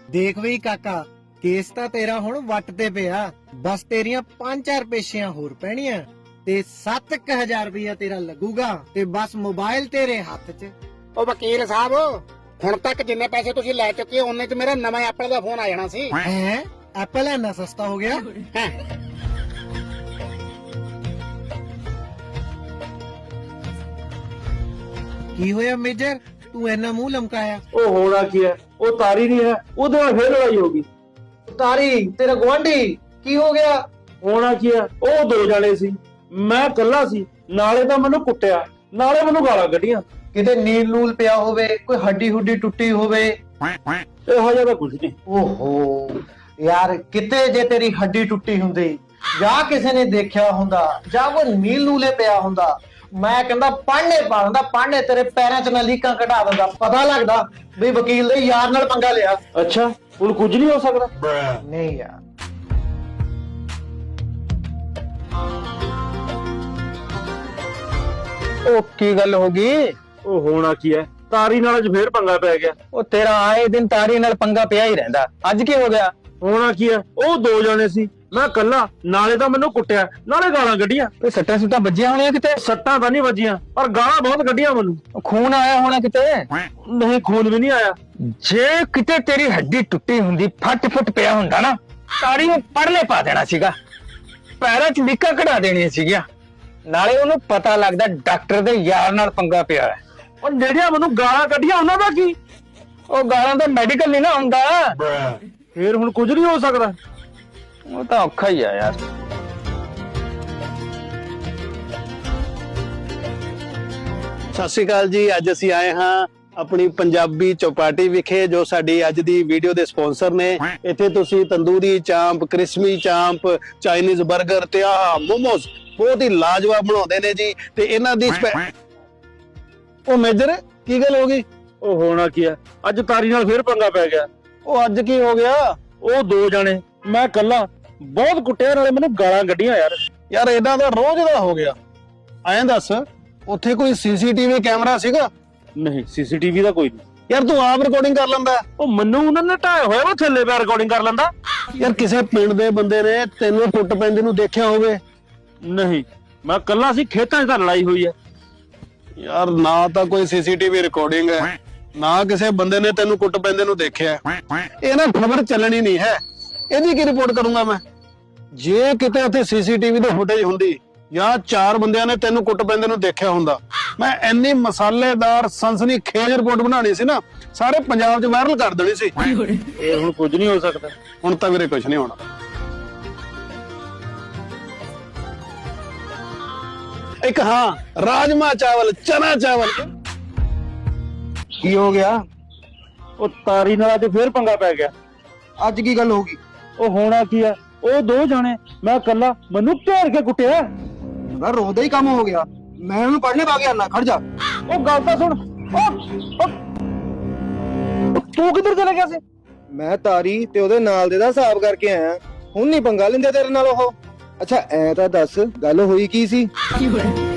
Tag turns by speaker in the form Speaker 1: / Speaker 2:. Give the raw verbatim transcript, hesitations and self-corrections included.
Speaker 1: ਦੇਖ ਵੀ ਕਾਕਾ, ਕੇਸ ਤਾਂ ਤੇਰਾ ਹੁਣ ਵੱਟ ਤੇ ਪਿਆ। ਬਸ ਤੇਰੀਆਂ ਪੰਜ ਚਾਰ ਪੇਸ਼ੀਆਂ ਹੋਰ ਪੈਣੀਆਂ ਤੇ ਸੱਤ ਕੁ ਹਜ਼ਾਰ ਰੁਪਇਆ ਤੇਰਾ ਲੱਗੂਗਾ ਤੇ ਬਸ ਮੋਬਾਈਲ ਤੇਰੇ ਹੱਥ 'ਚ।
Speaker 2: ਉਹ ਵਕੀਲ ਸਾਹਿਬ, ਹੁਣ ਤੱਕ ਜਿੰਨੇ ਪੈਸੇ ਤੁਸੀਂ ਲੈ ਚੁੱਕੇ ਹੋ ਉਹਨੇ 'ਚ ਮੇਰਾ ਨਵਾਂ ਐਪਲ ਦਾ ਫੋਨ ਆ ਜਾਣਾ ਸੀ।
Speaker 1: ਹੈ ਐਪਲ ਇੰਨਾ ਸਸਤਾ ਹੋ ਗਿਆ?
Speaker 2: ਹੈਂ।
Speaker 1: ਕੀ ਹੋਇਆ ਮੇਜਰ, ਤੂੰ ਇੰਨਾ ਮੂੰਹ ਲਮਕਾਇਆ?
Speaker 3: ਉਹ ਹੋਣਾ ਕੀ ਹੈ, ਉਹ ਤਾਰੀ ਨਹੀਂ ਹੈ, ਉਹਦੇ ਨਾਲ ਫੇਰ ਲੜਾਈ ਹੋ ਗਈ।
Speaker 4: ਤਾਰੀ ਤੇਰਾ ਗੁਆਂਢੀ ਕੀ ਹੋ ਗਿਆ?
Speaker 3: ਹੋਣਾ ਕੀ ਹੈ, ਉਹ ਦੋ ਜਾਣੇ ਸੀ, ਮੈਂ ਇਕੱਲਾ ਸੀ। ਨਾਲੇ ਤਾਂ ਮੈਨੂੰ ਕੁੱਟਿਆ, ਨਾਲੇ ਮੈਨੂੰ ਗਾਲਾਂ ਕੱਢੀਆਂ।
Speaker 4: ਕਿਤੇ ਨੀਲ ਨੂਲ ਪਿਆ ਹੋਵੇ, ਕੋਈ ਹੱਡੀ ਹੁੱਡੀ ਟੁੱਟੀ ਹੋਵੇ?
Speaker 3: ਇਹੋ ਜਿਹਾ ਤਾਂ ਕੁਝ ਨਹੀਂ।
Speaker 4: ਓਹੋ ਯਾਰ, ਕਿਤੇ ਜੇ ਤੇਰੀ ਹੱਡੀ ਟੁੱਟੀ ਹੁੰਦੀ ਜਾਂ ਕਿਸੇ ਨੇ ਦੇਖਿਆ ਹੁੰਦਾ ਜਾਂ ਕੋਈ ਨੀਲ ਨੂਲੇ ਪਿਆ ਹੁੰਦਾ, ਮੈਂ ਕਹਿੰਦਾ ਪਾਣੇ ਪਾ ਦਿੰਦਾ, ਪਾਣੇ ਤੇਰੇ ਪੈਰਾਂ 'ਚ ਨਾ ਲੀਕਾਂ ਕਢਾ ਦਿੰਦਾ। ਪਤਾ ਲੱਗਦਾ ਵੀ ਵਕੀਲ ਦੇ ਯਾਰ ਨਾਲ ਪੰਗਾ ਲਿਆ।
Speaker 3: ਅੱਛਾ, ਹੁਣ ਕੁਝ ਨਹੀਂ ਹੋ ਸਕਦਾ?
Speaker 4: ਨਹੀਂ ਯਾਰ,
Speaker 5: ਉਹ ਕੀ ਗੱਲ ਹੋ ਗਈ?
Speaker 3: ਉਹ ਹੋਣਾ ਕੀ ਹੈ, ਤਾਰੀ ਨਾਲ ਅੱਜ ਫੇਰ ਪੰਗਾ ਪੈ ਗਿਆ।
Speaker 5: ਉਹ ਤੇਰਾ ਆਏ ਦਿਨ ਤਾਰੀ ਨਾਲ ਪੰਗਾ ਪਿਆ ਹੀ ਰਹਿੰਦਾ, ਅੱਜ ਕੀ ਹੋ ਗਿਆ?
Speaker 3: ਹੋਣਾ ਕੀ ਹੈ, ਉਹ ਦੋ ਜਾਣੇ ਸੀ, ਮੈਂ ਇਕੱਲਾ। ਨਾਲੇ ਤਾਂ ਮੈਨੂੰ ਕੁੱਟਿਆ, ਨਾਲੇ ਗਾਲਾਂ ਕੱਢੀਆਂ।
Speaker 5: ਕੋਈ ਸੱਟਾਂ ਸੁੱਟਾਂ ਵੱਜੀਆਂ ਹੋਣੀਆਂ ਕਿਤੇ?
Speaker 3: ਸੱਟਾਂ ਤਾਂ ਨਹੀਂ ਵੱਜੀਆਂ, ਪਰ ਗਾਲਾਂ ਬਹੁਤ ਕੱਢੀਆਂ ਮੈਨੂੰ।
Speaker 5: ਉਹ ਖੂਨ ਆਇਆ ਹੋਣਾ ਕਿਤੇ?
Speaker 3: ਨਹੀਂ, ਖੂਨ ਵੀ ਨਹੀਂ ਆਇਆ।
Speaker 5: ਜੇ ਕਿਤੇ ਤੇਰੀ ਹੱਡੀ ਟੁੱਟੀ ਹੁੰਦੀ, ਫੱਟ ਫੁੱਟ ਪਿਆ ਹੁੰਦਾ ਨਾ, ਤਾਰੀ ਨੂੰ ਪੜਲੇ ਪਾ ਦੇਣਾ ਸੀਗਾ, ਪੈਰਾਂ 'ਚ ਲੀਕਾਂ ਕਢਾ ਦੇਣੀਆਂ ਸੀਗੀਆਂ। ਨਾਲੇ ਉਹਨੂੰ ਪਤਾ ਲੱਗਦਾ ਡਾਕਟਰ ਦੇ ਯਾਰ ਨਾਲ ਪੰਗਾ ਪਿਆ ਹੈ।
Speaker 3: ਉਹ ਜਿਹੜੀਆਂ ਮੈਨੂੰ ਗਾਲਾਂ ਕੱਢੀਆਂ ਉਹਨਾਂ ਦਾ ਕੀ?
Speaker 5: ਉਹ ਗਾਲਾਂ ਦਾ ਮੈਡੀਕਲ ਨਹੀਂ ਨਾ ਹੁੰਦਾ।
Speaker 3: ਫੇਰ ਹੁਣ ਕੁਝ ਨਹੀਂ ਹੋ ਸਕਦਾ।
Speaker 5: ਉਹ ਤਾਂ ਔਖਾ ਹੀ ਆ ਯਾਰ।
Speaker 6: ਸਤਿ ਸ਼੍ਰੀ ਅਕਾਲ ਜੀ। ਅੱਜ ਅਸੀਂ ਆਏ ਹਾਂ ਆਪਣੀ ਪੰਜਾਬੀ ਚੌਪਾਟੀ ਵਿਖੇ, ਜੋ ਸਾਡੀ ਅੱਜ ਦੀ ਵੀਡੀਓ ਦੇ ਸਪਾਂਸਰ ਨੇ। ਇੱਥੇ ਤੁਸੀਂ ਤੰਦੂਰੀ ਚਾਂਪ, ਕ੍ਰਿਸਮੀ ਚਾਂਪ, ਚਾਈਨੀਜ਼ 버ਗਰ ਤੇ ਆਹ ਮੋਮੋਸ ਬਹੁਤ ਹੀ ਲਾਜਵਾਬ ਬਣਾਉਂਦੇ ਨੇ ਜੀ। ਤੇ ਇਹਨਾਂ ਦੀ ਉਹ ਮੇਜਰ, ਕੀ ਗੱਲ ਹੋ ਗਈ?
Speaker 3: ਉਹ ਹੋਣਾ ਕੀ ਹੈ, ਅੱਜ ਤਾਰੀ ਨਾਲ ਫੇਰ ਪੰਗਾ ਪੈ ਗਿਆ।
Speaker 6: ਉਹ ਅੱਜ ਕੀ ਹੋ ਗਿਆ?
Speaker 3: ਉਹ ਦੋ ਜਾਣੇ, ਮੈਂ ਇਕੱਲਾ। ਬਹੁਤ ਕੁੱਟਿਆ, ਨਾਲੇ ਮੈਨੂੰ ਗਾਲਾਂ ਕੱਢੀਆਂ ਯਾਰ।
Speaker 6: ਯਾਰ ਇਹਨਾਂ ਦਾ ਰੋਜ਼ ਦਾ ਹੋ ਗਿਆ। ਐਂ ਦੱਸ, ਉੱਥੇ ਕੋਈ ਸੀਸੀਟੀਵੀ ਕੈਮਰਾ ਸੀਗਾ?
Speaker 3: ਨਹੀਂ, ਸੀਸੀਟੀਵੀ ਦਾ ਕੋਈ ਨਹੀਂ।
Speaker 6: ਯਾਰ ਤੂੰ ਆਪ ਰਿਕਾਰਡਿੰਗ ਕਰ ਲੈਂਦਾ।
Speaker 3: ਉਹ ਮੈਨੂੰ ਉਹਨਾਂ ਨੇ ਢਾਇਆ ਹੋਇਆ, ਉਹ ਥੱਲੇ ਪਿਆ ਰਿਕਾਰਡਿੰਗ ਕਰ ਲੈਂਦਾ।
Speaker 6: ਯਾਰ ਕਿਸੇ ਪਿੰਡ ਦੇ ਬੰਦੇ ਨੇ ਤੈਨੂੰ ਟੁੱਟ ਪੈਂਦੇ ਨੂੰ ਦੇਖਿਆ ਹੋਵੇ?
Speaker 3: ਨਹੀਂ, ਮੈਂ ਇਕੱਲਾ ਸੀ, ਖੇਤਾਂ 'ਚ ਤਾਂ ਲੜਾਈ ਹੋਈ ਹੈ।
Speaker 6: ਯਾਰ ਨਾ ਤਾਂ ਕੋਈ ਸੀਸੀਟੀਵੀ ਰਿਕਾਰਡਿੰਗ ਹੈ, ਨਾ ਕਿਸੇ ਬੰਦੇ ਨੇ ਤੈਨੂੰ ਕੁੱਟ ਪੈਂਦੇ ਨੂੰ ਦੇਖਿਆ। ਇਹ ਨਾ ਖਬਰ ਚੱਲਣੀ ਨਹੀਂ ਹੈ, ਇਹਦੀ ਕੀ ਰਿਪੋਰਟ ਕਰੂੰਗਾ ਮੈਂ? ਜੇ ਕਿਤੇ ਉੱਥੇ ਸੀਸੀਟੀਵੀ ਦੀ ਫੁਟੇਜ ਹੁੰਦੀ ਜਾਂ ਚਾਰ ਬੰਦਿਆਂ ਨੇ ਤੈਨੂੰ ਕੁੱਟ ਪੈਂਦੇ ਨੂੰ ਦੇਖਿਆ ਹੁੰਦਾ, ਮੈਂ ਇੰਨੀ ਮਸਾਲੇਦਾਰ ਸਨਸਨੀ ਖੇਜ ਰਿਪੋਰਟ ਬਣਾਣੀ ਸੀ ਨਾ, ਸਾਰੇ ਪੰਜਾਬ 'ਚ ਵਾਇਰਲ ਕਰ ਦੇਣੀ ਸੀ।
Speaker 3: ਇਹ ਹੁਣ ਕੁਝ ਨਹੀਂ ਹੋ ਸਕਦਾ।
Speaker 6: ਹੁਣ ਤਾਂ ਵੀਰੇ ਕੁਝ ਨਹੀਂ ਹੋਣਾ। ਇੱਕ ਹਾਂ, ਰਾਜਮਾ ਚਾਵਲ, ਚਨਾ ਚਾਵਲ।
Speaker 4: ਕੀ ਹੋ ਗਿਆ?
Speaker 3: ਉਹ ਤਾਰੀ ਨਾਲ ਅੱਜ ਫੇਰ ਪੰਗਾ ਪੈ ਗਿਆ।
Speaker 4: ਅੱਜ ਕੀ ਗੱਲ ਹੋ ਗਈ?
Speaker 3: ਉਹ ਹੋਣਾ ਕੀ ਹੈ, ਉਹ ਦੋ ਜਾਣੇ, ਮੈਂ ਇਕੱਲਾ। ਮੈਨੂੰ ਘੇਰ ਕੇ ਕੁੱਟਿਆ।
Speaker 4: ਯਾਰ ਰੋਦਾ ਹੀ ਕੰਮ ਹੋ ਗਿਆ। ਮੈਂ ਉਹਨੂੰ ਪੜਨੇ ਪਾ ਗਿਆ ਨਾ, ਖੜ ਜਾ।
Speaker 3: ਉਹ ਗੱਲ ਤਾਂ ਸੁਣ। ਉਹ ਤੂੰ ਕਿੱਧਰ ਚਲਾ ਗਿਆ ਸੀ?
Speaker 4: ਮੈਂ ਤਾਰੀ ਤੇ ਉਹਦੇ ਨਾਲ ਦੇ ਦਾ ਹਿਸਾਬ ਕਰਕੇ ਆਇਆ। ਹੁਣ ਨਹੀਂ ਪੰਗਾ ਲੈਂਦੇ ਤੇਰੇ ਨਾਲ ਉਹ। ਅੱਛਾ ਐ ਤਾਂ ਦੱਸ, ਗੱਲ ਹੋਈ ਕੀ ਸੀ?